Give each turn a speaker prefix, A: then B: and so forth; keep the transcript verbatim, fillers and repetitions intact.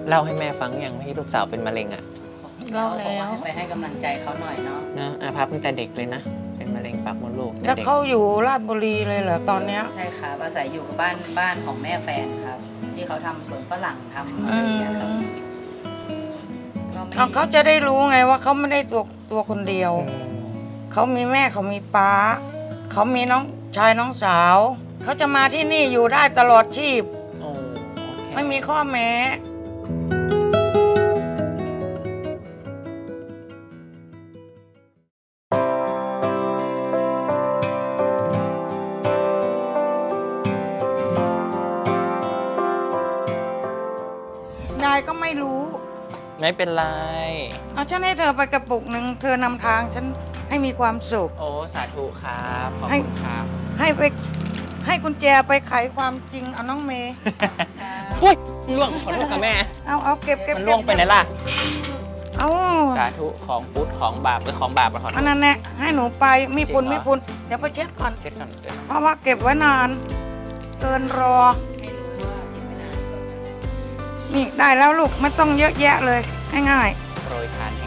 A: เล่าให้แม่ฟังอย่างที่ลูกสาวเป็นมะเร็งอ่ะ
B: เล่าแล้ว
C: บอกว่าให้ไปให้กำลังใจเขาหน่อยเนาะ
A: นะอาภัพตั้งแต่เด็กเลยนะเป็นมะเร็งปากมดลูก
B: แล้ว
A: เด็ก
B: เขาอยู่ราชบุรีเลยเหรอตอนเนี้ย
C: ใช่ครับอาศัยอยู่กับบ้านบ้านของแม่แฟนครับ ที่เขาทำสวนฝรั่งทำอะไร
B: อื
C: อย่างเงี้ยครับ
B: ม
C: ก็ไม่
B: เอาเขาจะได้รู้ไงว่าเขาไม่ได้ตัวตัวคนเดียว
A: อืม
B: เขามีแม่เขามีป้า เขามีน้องชายน้องสาว เขาจะมาที่นี่อยู่ได้ตลอดชีพ
A: โอ้โอเค
B: ไม่มีข้อแม้ ยายก็ไม่รู้
A: ไม่เป็นไร
B: เอาฉันให้เธอไปกระปุกหนึ่งเธอนำทางฉันให้มีความสุข
A: โอ้สาธุครับขอบ
B: ให้
A: คุณครับ
B: ให้ไปให้กุญแจไปไขความจริงเอาน้องเมย์
A: อุ้ยล่วงขอโทษค่ะแม่
B: เอาเอาเก็บเก็บ
A: มันล่วงไปไหนล่ะ
B: เอา
A: สาธุของพุทธของบาปหรือของบาปอะขอโท
B: อัน
A: ษ
B: นั้นแหละให้หนูไปมีปุน
A: จริงเหรอ
B: มีปุนเดี๋ยวไปเช็ดก่อน
A: เช็ดก่อนเช็ด
B: เพราะว่าเก็บไว้นาน เกินรอ
C: ให้รู้ว่าเก็บไม่นาน
B: นี่ได้แล้วลูกไม่ต้องเยอะแยะเลยง่าย
A: โปรยทาน